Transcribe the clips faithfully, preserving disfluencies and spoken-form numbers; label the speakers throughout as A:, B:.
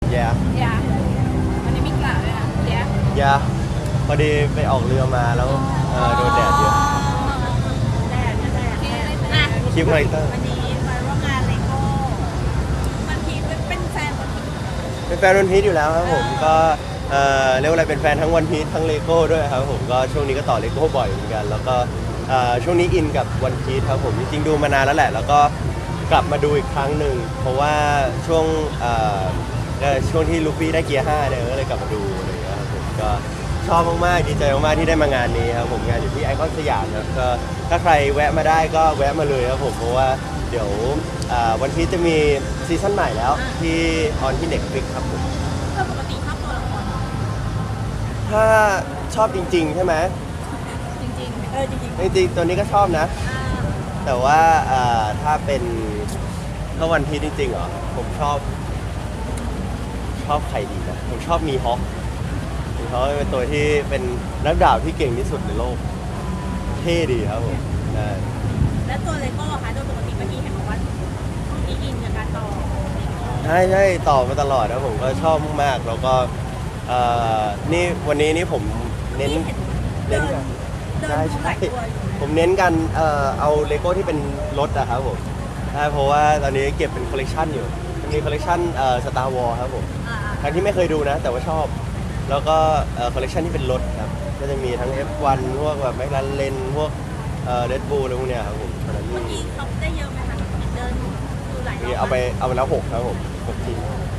A: yeah
B: ยาวันนี้มีกล่าวด้วยนะยา
A: yeah พอดีไปออกเรือมาแล้วเออโดนแดดเยอะ
B: แดดแดดอ่ะ
A: คลิปคาแรคเตอร์
B: วันนี้มาร่วมงานเลโก้วันพีชเป็นแฟนวันพีช
A: เป็นแฟนวันพีชอยู่แล้วครับผมก็เออเรียกว่าอะไรเป็นแฟนทั้งวันพีชทั้งเลโก้ด้วยครับผมก็ช่วงนี้ก็ต่อเลโก้บ่อยเหมือนกันแล้วก็เอ่อช่วงนี้อินกับวันพีชครับผมจริงๆดูมานานแล้วแหละแล้วก็กลับมาดูอีกครั้งหนึ่งเพราะว่าช่วงเอ่อเอ่อช่วงที่ลูฟี่ได้เกียร์ห้าเนี่ยก็เลยกลับมาดูอะไรอย่างเงี้ยครับผมก็ชอบมากๆดีใจมากๆที่ได้มางานนี้ครับผมงานอยู่ที่ไอคอนสยามครับก็ถ้าใครแวะมาได้ก็แวะมาเลยครับผมเพราะว่าเดี๋ยวอ่าวันพีชจะมีซีซั่นใหม่แล้วที่ออนที่ Netflix ครับผม
B: เธอปกติชอบตัวละคร
A: ถ้าชอบจริงๆใช่ไหม
B: จริงๆเออจริง
A: จริงๆตัวนี้ก็ชอบนะ
B: ๆอ่า
A: แต่ว่าเอ่อถ้าเป็นถ้าวันพีชจริงๆเหรอผมชอบ ชอบใครดีนะผมชอบมีฮอคมีฮอคเป็นตัวที่เป็นนักดาบที่เก่งที่สุดในโลกเท่ดีครับผมใช่
B: แล้วตัวเลโก้ค่ะโดยปกติเมื่อกี้เห็นบอกว่ามีอินกับการต่อ
A: ใช่ใช่ต่อมาตลอดนะผมก็ชอบมากๆแล้วก็เอ่อนี่วันนี้นี่ผมเน้น
B: เดิ
A: เน้น
B: น
A: กัน
B: เดิน
A: ใช่
B: ดูห
A: ใช่
B: ลายตัวอยู่
A: ผมเน้นกันเอ่อเอาเลโก้ที่เป็นรถอะครับผมใช่เพราะว่าตอนนี้เก็บเป็นคอลเลกชันอยู่มีคอลเลกชันเอ่อสตาร์วอลครับผม
B: อ่า
A: ทั้งที่ไม่เคยดูนะ แต่ว่าชอบ แล้วก็เอ่อคอลเลกชันที่เป็นรถครับก็จะมีทั้ง เอฟ วัน พวกแบบแมคลาเรนพวกเอ่อเรดบูลอะไรพวกเนี้ยครับผมตอนนั้น
B: เมื่อ
A: มี
B: กี้เขาได้เยอะไหมคะเดินดูหลายร
A: มี
B: อบ
A: เอาไปเอาไปแล้วหกครับผมหกชิ้น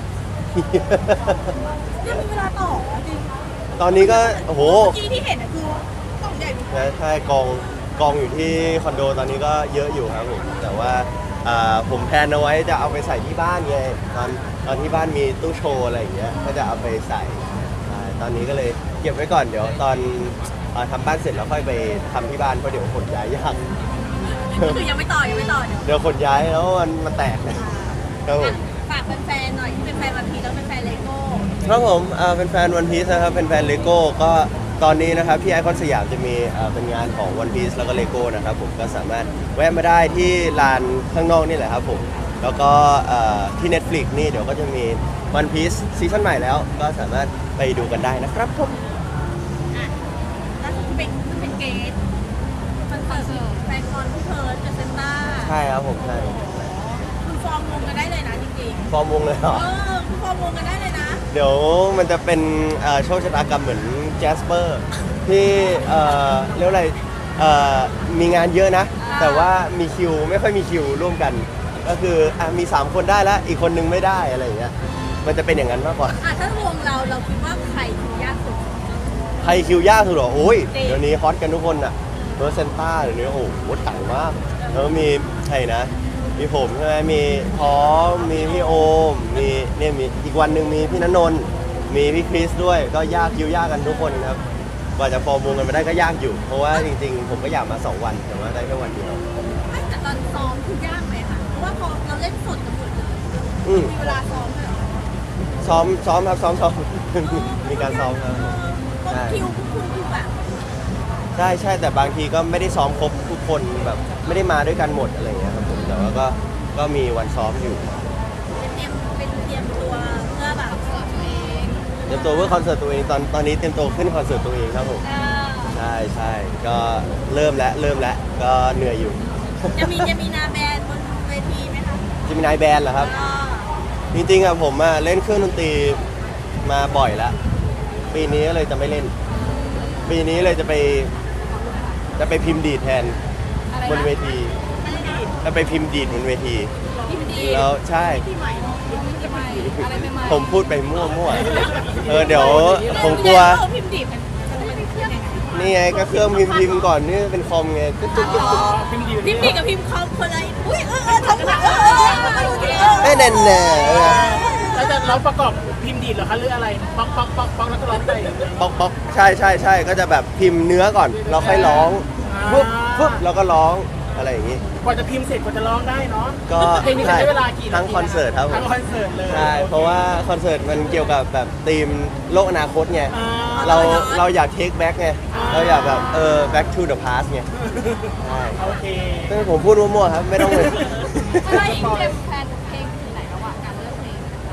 B: ยังมีเวลาต่อจริง
A: ตอนนี้ก็โอ้โห
B: เมื่อกี้ที่เห็นอะคือกล่องใหญ่มาก
A: ใช่กองกองอยู่ที่คอนโดตอนนี้ก็เยอะอยู่ครับผมแต่ว่าอ่าผมแพลนเอาไว้จะเอาไปใส่ที่บ้านไงตอนตอนที่บ้านมีตู้โชว์อะไรอย่างเงี้ยก็จะเอาไปใส่ใช่ตอนนี้ก็เลยเก็บไว้ก่อนเดี๋ยวตอนอ่าทำบ้านเสร็จแล้วค่อยไปทำที่บ้านเพราะเดี๋ยวขนย้ายยาก
B: ก็คือยังไม่ต่อยังไม่ต่อเดี๋ยว
A: เดี๋ยวขนย้ายแล้วมันมันแตกนะครับผม
B: ฝากแฟนๆหน่อยที่เป็นแฟนวันพีชแล้วเป็นแฟนเลโก้
A: ครับผมอ่าเป็นแฟนวันพีซนะครับเป็นแฟนเลโก้ก็ตอนนี้นะครับที่ไอคอนสยามจะมีอ่าเป็นงานของวันพีซแล้วก็เลโก้นะครับผมก็สามารถแวะมาได้ที่ลานข้างนอกนี่แหละครับผมแล้วก็อ่าที่ Netflix นี่เดี๋ยวก็จะมีวันพีซซีซั่นใหม่แล้ว ก็สามารถไปดูกันได้นะครับผม
B: อ่ะล่าสุดที่เป็นเป็นเกสคอนเสิร์ตแฟนคอนผู้เพิร์ดกับเซนต้า
A: ใช่ครับผมใช่
B: คุณฟอร์มวงกันได้เลยนะจริง
A: ฟอร์มวงเลยเหรอ
B: ๆเออคุณฟอร์มวงกันได้เลยนะ
A: เดี๋ยวมันจะเป็นเอ่อโชคชะตากรรมเหมือนแจสเปอร์ที่เอ่อเรียกว่าอะไรเอ่อมีงานเยอะนะ แต่ว่ามีคิวไม่ค่อยมีคิวร่วมกัน ก็คืออ่ะมีสามคนได้แล้วอีกคนนึงไม่ได้อะไรอย่างเงี้ยมันจะเป็นอย่างนั้นมากกว่า
B: อ่ะถ้าวงเราเราคิดว่าใครคือยากสุด
A: ใครคิวยากสุดเหรอโอ้ย
B: จริง
A: เดี๋ยวนี้ฮอตกันทุกคนอะเบอร์เซนต้าเดี๋ยวนี้โอ้โหต่างมากแล้วมีใครนะ มีผมใช่ไหมมีพร้อมมีพี่โอมมีเนี่ยมีอีกวันหนึ่งมีพี่ณนนท์มีพี่คริสด้วยก็ยากคิวยากกันทุกคนครับกว่าจะฟอร์มวงกันมาได้ก็ยากอยู่ เพราะว่าจริงๆ ผมก็อยากมาสองวันแต่ว่าได้แค่วันเดียว
B: ไม่แต่ตอนซ้อมคือยากไหมคะเพราะว่าพอเราเล่นสดกันหมดเลย
A: อืม
B: มีเวลาซ้อมเลยเหรอ
A: ซ้อมซ้อมครับซ้อมซ้อม มีการซ้อมครับ
B: เออคิวพวกคุณคือแบบ
A: ใช่ใช่แต่บางทีก็ไม่ได้ซ้อมครบทุกคนแบบไม่ได้มาด้วยกันหมดอะไรอย่างเงี้ยครับผมแต่ว่าก็ก็มีวันซ้อมอยู่
B: เป็นเตรียมเป็นเตรียมตัวเพื่อแบบคอนเสิร์ตตัวเอง
A: เตรียมตัวเพื่อคอนเสิร์ตตัวเองตอนตอนนี้เตรียมตัวขึ้นคอนเสิร์ตตัวเองครับผม
B: เออ
A: ใช่ใช่ก็เริ่มแล้วเริ่มแล้วก็เหนื่อยอยู่
B: จะมีจะมีนาแบนบนเวทีไหมคะ
A: จะมีนายแบนด์เหรอครับ
B: เออ
A: จริงๆอะผมอะเล่นเครื่องดนตรีมาบ่อยแล้วปีนี้ก็เลยจะไม่เล่น ปีนี้เลยจะไปจะไปพิมพ์ดีดแทน
B: อะไร
A: บนเว
B: นะ
A: ที
B: อะไรนะ
A: จะไปพิมพ์ดีดบนเวที
B: พิมพ์ดี
A: แล้วใช่
B: ที่ใหม่พิมพ์ที่ใหม่อะไรใหม่ๆ
A: ผมพูดไปมั่วๆเออเดี๋ยวผมกลัว
B: เออพิมพ์ดีมันมันเป็นเครื่องยังไง
A: นี่ไงก็เครื่องพิมพ์พิมพ์ก่อนนี่เป็นคอมไงตึ๊ดตึ๊ดตึ๊ดตึ๊ด
B: พิมพ์ดีพิมพ์ดีกับพิมพ์คอมคนละอุ้ยเออเออทำไมเออเออเออดูดิเออ
A: เอ้ยแน่แน่เออ
C: แล้วจะร้องประกอบพิมพ์ดีดเหรอคะหรืออะไรป๊อกป๊อกป๊อกป๊อกแล้วก็ร้องไป
A: ป๊อกป๊อกใช่ใช่ใช่ก็จะแบบพิมพ์เนื้อก่อนเราค่อยร้องปุ๊บปุ๊บแล้วก็ร้องอะไรอย่างงี้
C: กว่าจะพิมพ์เสร็จกว่าจะร้องได้เนาะ
A: ก็
C: เพลงนี้จะ
A: ใช่
C: ใช้เวลากี่นาที
A: ทั้งคอนเสิร์ตครับผม
C: ทั้งคอนเสิร์ตเลย
A: ใช่เพราะว่าคอนเสิร์ตมันเกี่ยวกับแบบธีมโลกอนาคตไง
C: อ่า
A: เราเราอยาก take back ไงเราอยากแบบเออ back to the past ไงใช่
C: โอเค
A: ซึ่งผมพูดมั่วๆครับไม่ต้องเลย
B: อะไรอีกเตรียมแพลนเพลงถึงไหนระหว่างการเลือกเพลงต่าง
A: แพ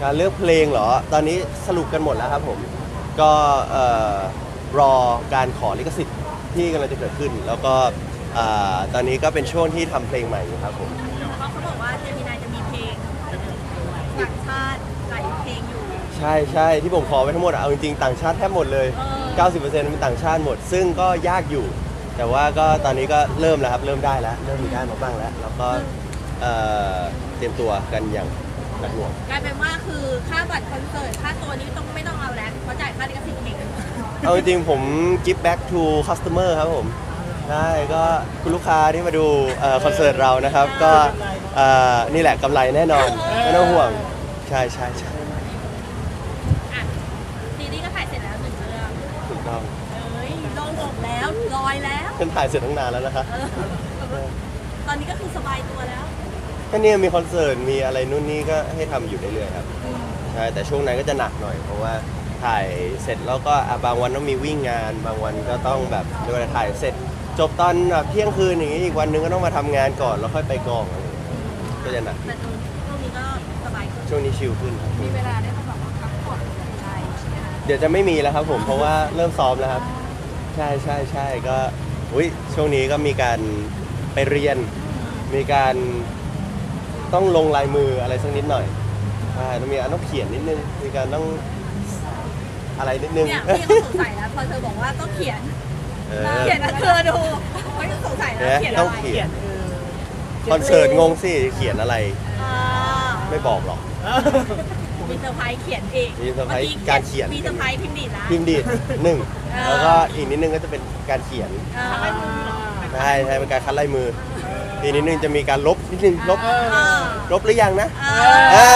A: การเลือกเพลงเหรอตอนนี้สรุปกันหมดแล้วครับผมก็เอ่อรอการขอลิขสิทธิ์ที่กำลังจะเกิดขึ้น แล้วก็เอ่อตอนนี้ก็เป็นช่วงที่ทำเพลงใหม่อยู่ครับผม
B: เขาเขาบอกว่าเจมินายจะมีเพลงต่างชาติหลายเพลงอยู่
A: ใช่ใช่ที่ผมขอไปทั้งหมดอะเอาจริงๆต่างชาติแทบหมดเลย
B: เออ
A: เก้าสิบเปอร์เซ็นต์เป็นต่างชาติหมด ซึ่งก็ยากอยู่ แต่ว่าก็ตอนนี้ก็เริ่มแล้วครับเริ่มได้แล้วเริ่มมีได้มาบ้างแล้วแล้วก็เอ่อเตรียมตัวกันอย่างหนักหน่วง
B: กลายเป็นว่าคือค่าบัตรคอนเสิร์ตค่าตัวนี้ต้องไม่ต้องเอาแล้วเพราะจ่ายค่าลิขสิทธิ์เอง
A: เอาจริงๆผม give back to customer ครับผมใช่ก็คุณลูกค้าที่มาดูเอ่อคอนเสิร์ตเรานะครับ ก็เอ่อนี่แหละกำไรแน่นอนไม่ต้องห่วงใช่ใช่ใช่
B: อ่ะซีรีส์ก็ถ่ายเสร็จแล้วหนึ่งเรื่อง
A: ถูกต้อง
B: เอ้ยโล่งอกแล้วลอยแล้ว
A: ฉันถ่ายเสร็จตั้งนานแล้วนะคะ
B: เออตอนนี้ก็คือสบายตัวแล้ว
A: ก็เนี่ยมีคอนเสิร์ตมีอะไรนู่นนี่ก็ให้ทำอยู่เรื่อยๆครับใช่แต่ช่วงนั้นก็จะหนักหน่อย เพราะว่าถ่ายเสร็จแล้วก็อ่ะบางวันต้องมีวิ่งงาน บางวันก็ต้องแบบเรียกว่าถ่ายเสร็จ จบตอนแบบเที่ยงคืนอย่างนี้อีกวันนึงก็ต้องมาทำงานก่อนแล้วค่อยไปกองอะไรอย่างเงี้ยก็จะหนัก
B: แต่ช่วงนี้ก็สบายขึ้น
A: ช่วงนี้ชิลขึ้นครับ
B: มีเวลาได้มาแบบว่าพักผ่อนใจใช่ไหมคะ
A: เดี๋ยวจะไม่มีแล้วครับผมเพราะว่าเริ่มซ้อมแล้วครับ ใช่ใช่ใช่ก็อุ้ยช่วงนี้ก็มีการไปเรียน มีการต้องลงลายมืออะไรสักนิดหน่อยใช่ต้องมีการต้องเขียนนิดนึงมีการต้องอะไรนิดนึง
B: เนี่ยพี่ก็สงสัยแล้วพอเธอบอกว่าต้องเขียน
A: เออ
B: เขียนนะเธอดูเขายังสงสัยแล้ว
A: เนี่ย
B: เขียน
A: ต้
B: อะ
A: อง
B: ไร
A: เขียนคอนเสิร์ตงงสิเขียนอะไร
B: อ่า
A: ไม่บอกหรอก
B: มีเซอร์ไพรส์เขียนเอง
A: มีเซอร์ไพรส์การเขียน
B: มีเซอร์ไพรส์พิมพ์ดีดละ
A: พิมพ์ดีดหนึ่ง
B: เออ
A: แล้วก็อีกนิดนึงก็จะเป็นการเขียน
B: เออ
A: ใช่ใช่เป็นการคัดลายมืออีกนิดนึงจะมีการลบนิดนึงลบ
B: เออ
A: ลบหรือยังนะ
B: เออ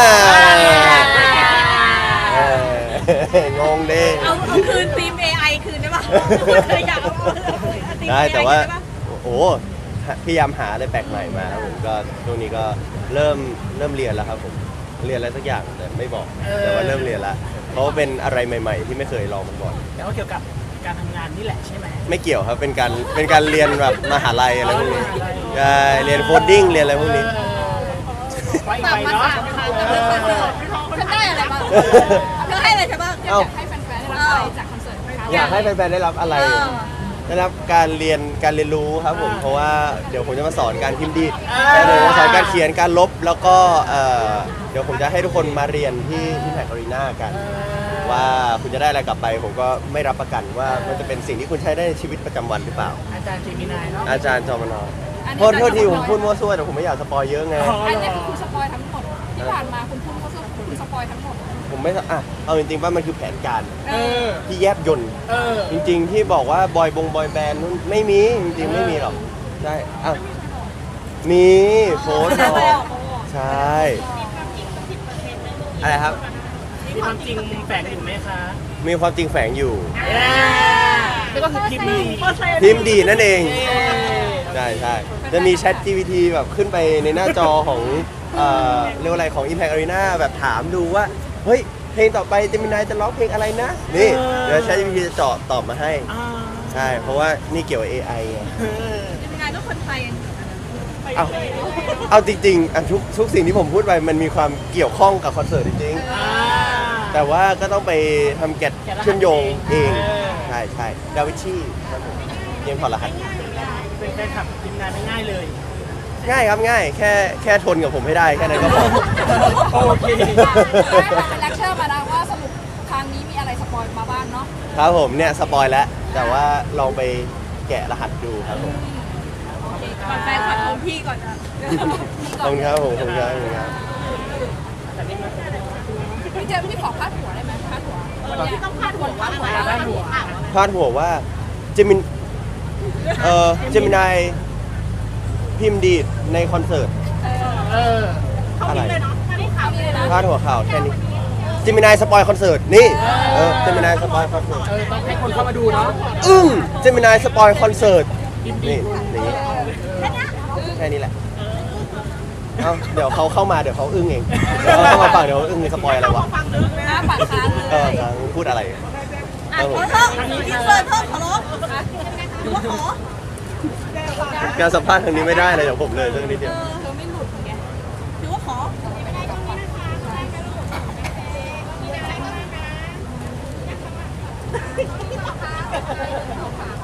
A: เอองงเด้
B: เอาเอาคืนทีม เอ ไอ คืนได้ปะเคยอยากเอาเอาทีม
A: ได้
B: เอ ไอ
A: แต่ว่า
B: คืนได้ปะ
A: โอ้โหพยายามหาอะไรแปลกใหม่มาครับผมก็ช่วงนี้ก็เริ่มเริ่มเรียนแล้วครับผมเรียนอะไรสักอย่างแต่ไม่บอกแต่ว่าเริ่มเรียนแล้วเพราะว่าเป็นอะไรใหม่ ๆ ที่ไม่เคยลองมาก่อน
C: แต่ว่าเกี่ยวกับการทำงานนี่แหละใช่ไหม
A: ไม่เกี่ยวครับเป็นการเป็นการเรียนแบบมหาลัยอะไรพวกนี้ใช่เรียนโคดดิ้งเรียนอะไรพวกนี้
C: ไปอีกไปเนาะ
B: ฉันได้อะไรบ้างเธอให้อะไรฉันบ้าง
A: เอ้า
B: ให้แฟนๆได้รับอะไรจากคอนเสิร์ตไหมคะ
A: อยากให้แฟนๆได้รับอะไร
B: เออ
A: ได้รับการเรียนการเรียนรู้ครับผมเพราะว่าเดี๋ยวผมจะมาสอนการพิมพ์ดีดเดี๋ยวผมสอนการเขียนการลบแล้วก็เอ่อเดี๋ยวผมจะให้ทุกคนมาเรียนที่ที่แพคอารีนากัน ว่าคุณจะได้อะไรกลับไป ผมก็ไม่รับประกันว่ามันจะเป็นสิ่งที่คุณใช้ได้ในชีวิตประจำวันหรือเปล่า
C: อาจารย์เจมินายเนาะ
A: อาจารย์จอมนอโทษโทษทีผมพูดมั่วซั่วแต่ผมไม่อยากสปอยเยอะไง
C: อ๋อ
D: อัน
C: เหร
D: นี้
C: อ
D: คือคุณสปอยทั้งหมดที่ผ่านมาคุณพูดก็คือคุณสปอยทั้งหมด
A: ผมไม่อ่ะเอาจริงๆว่ามันคือแผนการ
C: เออ
A: ที่แยบยนต์
C: เออ
A: จริงๆที่บอกว่าบอยบงบอยแบนด์นู่นไม่มีจริงๆไม่มีหรอกใช่อ่ะมีโพสต์บอกใช่อะไรครับ
C: มีความจริงแฝงอยู่ไหมคะ
A: มีความจริงแฝงอยู่
C: เย้นี่ก็คือพิมพ์ดี
A: พิมพ์ดีนั่นเอง
C: เย้
A: ใช่ใช่จะมี Chat จี พี ที แบบขึ้นไปในหน้าจอของเอ่อเรียกว่าอะไรของ Impact Arena แบบถามดูว่า เฮ้ย เพลงต่อไปเจมินายจะร้องเพลงอะไรนะ นี่เดี๋ยว Chat จี พี ที จะเจาะตอบมาให้
C: อ่า
A: ใช่ เพราะว่านี่เกี่ยวกับ เอ ไอ ไง
C: เออ
B: เป็นงานก็คนไทยกัน
A: เอาเอาจริงๆอ่ะทุกทุกสิ่งที่ผมพูดไปมันมีความเกี่ยวข้องกับคอนเสิร์ตจริง
C: อ่า
A: ๆ แต่ว่าก็ต้องไปทำแกะเชื่อมโยงเอง ใช่ใช่ดาวิชี่ครับผมเกมถอดรหัส
C: เป็นแฟนคลับทีมงานไม่ง่ายเลย
A: ง่ายครับง่าย แค่แค่ทนกับผมให้ได้แค่นั้นก็พอ
C: โอเค
D: เป็นเลคเชอร์มานะว่าสรุปครั้งนี้มีอะไรสปอยมาบ้างเนาะ
A: ครับผมเนี่ยสปอยแล้ว แต่ว่าลองไปแกะรหัสดูครับผม
B: ก่อนแฟนขอโทษพี่ก่อนนะ
A: ขอบคุณครับผมขอบคุณครับขอบคุณครับ
D: พี่เจมส์พี่ขอพาดหัวได้ไหมพาดหัว
B: ที่ต้องพาดหัวว่าอะไร
C: พาดหัว
A: พาดหัวว่าเจมินเอ่อเจมินายพิมพ์ดีดในคอนเสิร์ต
C: เออ
A: อะไร
B: ไม่ได้ข่าวเลยนะ
A: พาดหัวข่าวแค่นี้เจมินายสปอยคอนเสิร์ตนี่เออเจมินายสปอยคอนเสิร์ต
C: เออ ต้องให้คนเข้ามาดูเนาะ
A: อึ้งเจมินายสปอยคอนเสิร์ต
C: พิมพ์ดี
A: นี่อย่างนี้แค่นี้แหละเอาเดี๋ยวเขาเข้ามาเดี๋ยวเขาอึ้งเองเดี๋ยวเขาเข้ามาฟังเดี๋ยวเขาอึ้งในสปอยอะไรวะ
D: หน้าปากค้าง
A: เอ
D: เล
A: อย ฟังพูดอะไร
B: อ่ะขอโทษอินเสิร์ตเพิ่มขอร้องหรือว่าขอ
A: การสัมภาษณ์ครั้งนี้ไม่ได้เลยเดี๋ยวผมเลยเรื่องนี้เดียว
D: เธอไม่หลุดไง
B: หรือว่าขอ
D: เอาฝาก